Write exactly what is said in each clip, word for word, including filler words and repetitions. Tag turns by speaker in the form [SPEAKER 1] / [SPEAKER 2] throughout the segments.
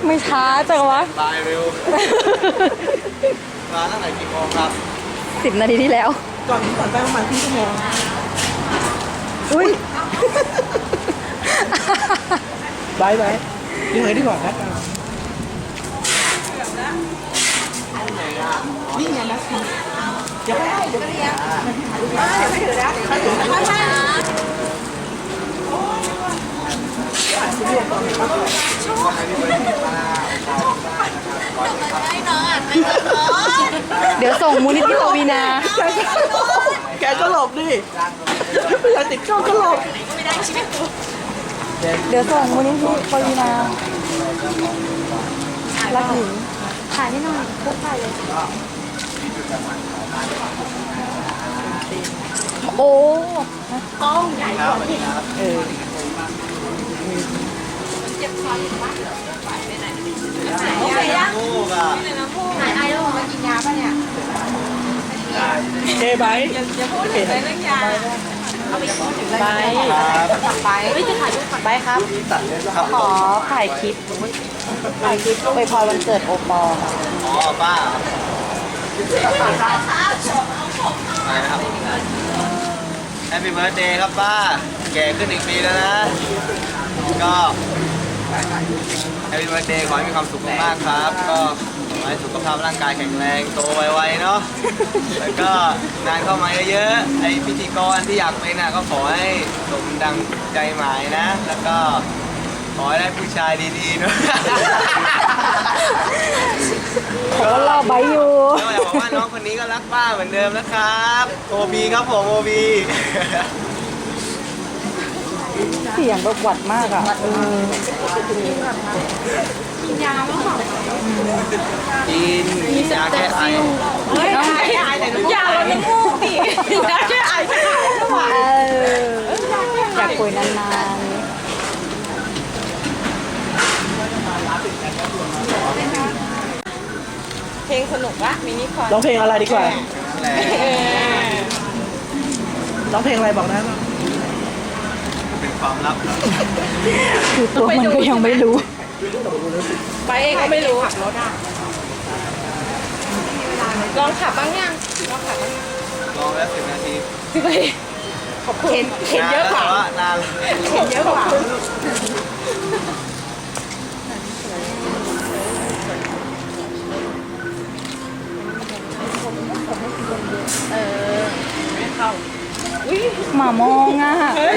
[SPEAKER 1] ไม่ช้าจังวะ
[SPEAKER 2] บายเร็วมาตั้งแต่กี่โมงครับ
[SPEAKER 1] สิบนาทีที่แล้ว
[SPEAKER 3] ก่อนก่อนไปประมาณครึ่งชั่วโมง
[SPEAKER 1] อุ้ย
[SPEAKER 3] บายบายยังไงดีกว่าครับนี่ไงนะเดี๋ยวได้เดี๋ยวเรียกไม่ถือนะไม่ถือนะ
[SPEAKER 1] เดี๋ยวส่งมูลนิธิปวีนา
[SPEAKER 3] แกก็หลบดิเวลาติดกล้องก็หลบ
[SPEAKER 1] เดี๋ยวส่งมูลนิธิปวีนารักหญิงถ่ายให้หน่อยพวกถ่ายเลยโอ้กล้องใหญ่กว่าที่เออ
[SPEAKER 2] โอเคยังลูกอ่ะ
[SPEAKER 1] ถ่ายไอ้แล้วมากินยาป่ะเนี่ย
[SPEAKER 3] เจ๊ไบค์
[SPEAKER 1] อย่าพูดถึงเรื่องยาเอาไปพูดถึงไปไปไม่จะถ่ายรูปไปครับ
[SPEAKER 2] ตัดเล่นครับ
[SPEAKER 1] ขอถ่ายคลิปถ่ายคลิปไปพอวันเกิดโอปอล์ค่ะ
[SPEAKER 2] อ๋อป้าอะไรนะครับแฮปปี้เบิร์ดเดย์ครับป้าแก่ขึ้นอีกปีแล้วนะก็แฮปปี้เบิร์ดเดย์ขอให้มีความสุขมากๆครับ ก็ขอให้สุขภาพร่างกายแข็งแรงโตไวๆเนาะแล้วก็งานเข้ามาเยอะๆไอพิธีกรที่อยากเป็นน่ะก็ขอให้สมดังใจหมายนะ แล้วก็ขอให้ได้ผู้ชายดีๆเนาะ
[SPEAKER 1] เขาก็รอใบอยู่
[SPEAKER 2] แล้วอยากบอกว่าน้องคนนี้ก็รักป้าเหมือนเดิมนะครับโอบีครับผมโอบี
[SPEAKER 1] เสียงแบบหวัดมากอ่ะเออ
[SPEAKER 2] กินยาแก้ไอ
[SPEAKER 1] เฮ้ยยาลดน้ำมูกดิยาแก้ไอแก้ไอเอออยากคุยนานๆเพลงสนุกวะมินิคอน
[SPEAKER 3] ร้องเพลงอะไรดีกว่า
[SPEAKER 2] นั่นแหละ
[SPEAKER 3] ร้องเพลงอะไรบอกได้ไหม
[SPEAKER 2] เป็นความลับนะ
[SPEAKER 1] คือตัวมันก็ยังไม่รู้
[SPEAKER 4] ไปเองก็ไม่รู้ขับรถอ่ะลองขับบ้างยังลองขับบ้าง
[SPEAKER 2] ลองแล้วสิบนาที
[SPEAKER 4] สิไปขอบคุณเห็นเห็นเยอะกว่า
[SPEAKER 2] นานแล้ว
[SPEAKER 4] เห็นเยอะกว่าเออไม่เข้า
[SPEAKER 1] หมามองอ่ะ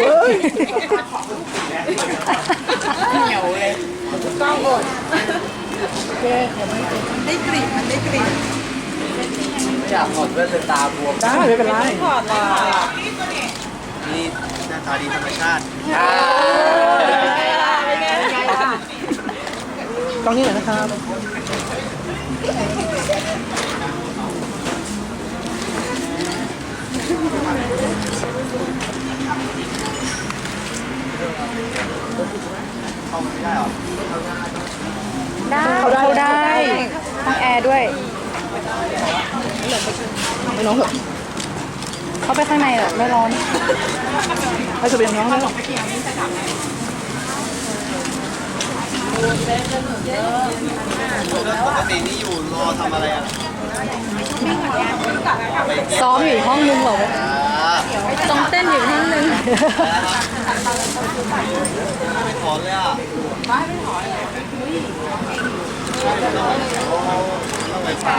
[SPEAKER 4] เหนียวเลยต้องหมดได้กลิ่นมันได้กลิ่น
[SPEAKER 2] อยากถอดแว่นตาบวม
[SPEAKER 3] ได้ไม่เป็นไร
[SPEAKER 4] ถอดเลย
[SPEAKER 2] นี่หน้าตาดีธรรมชาติ
[SPEAKER 4] เป็นไงเป็นไงล่ะ
[SPEAKER 3] กล้องนี้หน่อยนะครับ
[SPEAKER 2] เข้าไม่ได้หรอ
[SPEAKER 1] ได้เขาได้ห้องแอร์ด้วย
[SPEAKER 3] ไม่น้องเหรอ
[SPEAKER 1] เขาไปข้างในเหรอไม่ร้อน
[SPEAKER 3] ให้จะเป็นน้องได้หรอ
[SPEAKER 2] ปกตินี่อยู่รอทำอะไรอ่ะ
[SPEAKER 1] ซ้อมอยู่ห้องนึงเหรอ
[SPEAKER 2] อ่า
[SPEAKER 1] ต้องเต้นอยู่ห้องนึง
[SPEAKER 2] ไม่ถอนเลยอ่ะต้องไปปลา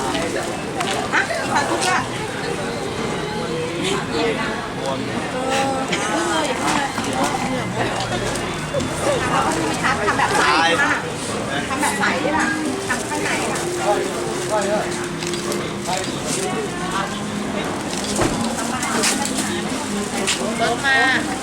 [SPEAKER 4] ขับทุกอ่ะ
[SPEAKER 2] บน
[SPEAKER 4] ทำแบบใส
[SPEAKER 2] ตาย
[SPEAKER 4] ทำแบบใสด้วยล่ะทำข้างในล่ะรถมา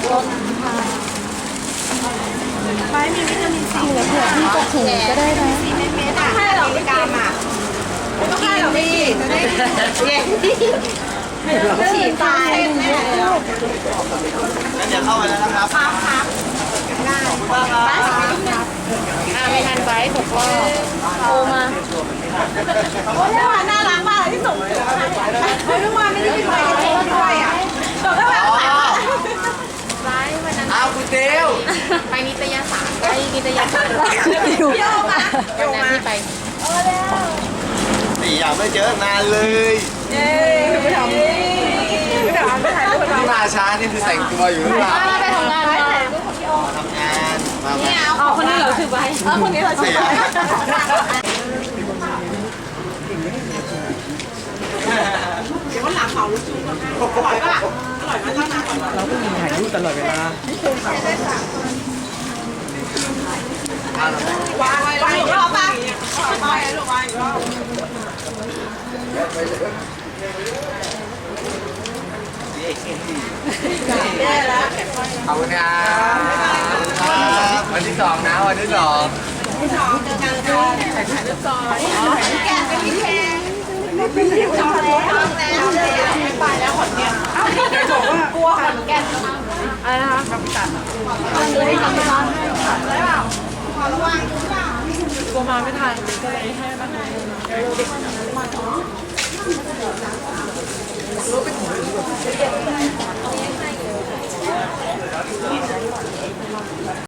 [SPEAKER 1] ไม่มีวิตามินซีเหลือเผื่อพี่จะถุงก็ได้นะ
[SPEAKER 4] สี่เมตรอ่ะให้เราไม่กามอ่ะไม่ต้องให้เราไม่จะได้เย็นฉีดตายแน่เลย
[SPEAKER 2] งั้นเดี๋ยวเข้าไปแล้วนะครับ
[SPEAKER 4] ครับครับได้ไปสักนิดนึงอ่าไม่ทันไปตกรอบโทรมาโอ้ยเมื่อวานน่ารักมากที่ส่งถึงเมื่อวานไม่ได้ไปกับโทรด้วยอ่ะบอกว่าแบบไลฟ์วันนั้น
[SPEAKER 2] อ้าวคุณเดว
[SPEAKER 4] ไปนิตยสารนิตยาศาสตร์
[SPEAKER 1] อยู่
[SPEAKER 4] วันนั้นที่ไป
[SPEAKER 2] สี่อย่างไม่เจอนานเลย
[SPEAKER 3] เย้ไม่ทำไม่ทำไม่ถ่ายรูป
[SPEAKER 2] ที่มาช้านี่คือแต่งตัวอยู่หรือเปล่า
[SPEAKER 4] ไปทำงานมา
[SPEAKER 2] มาทำงานมามา
[SPEAKER 1] อ๋อคนนี้เหราชื่อใบเออคนนี้เหราชื่
[SPEAKER 2] เสี
[SPEAKER 1] อย ใบ
[SPEAKER 3] เดี๋ยววันหลังเหมาลูกชิ้นมาให้อร่อยป่ะอร่อยมากตั้งนานก่อนเราต้องมีถ่ายรูปตลอดเวลาวางไว้วางอีกรอบป่ะวางอีกรอบวางอีกรอบ
[SPEAKER 2] ขอบคุณครับวันที่สองนะวันที่สอง
[SPEAKER 3] แกะเป็นพี่แพงเป็นพี่ทำแล้วทำแล้วไปแล้วขอนแก่นอ้าวเดี๋ยวบอกว่ากลัวขอนแก่นอะไรนะคะทำตัดเลยทำร้านให้ค่ะได้เปล่าขอระวังดูเปล่ากลัวมาไม่ทันก็เลยให้บ้าน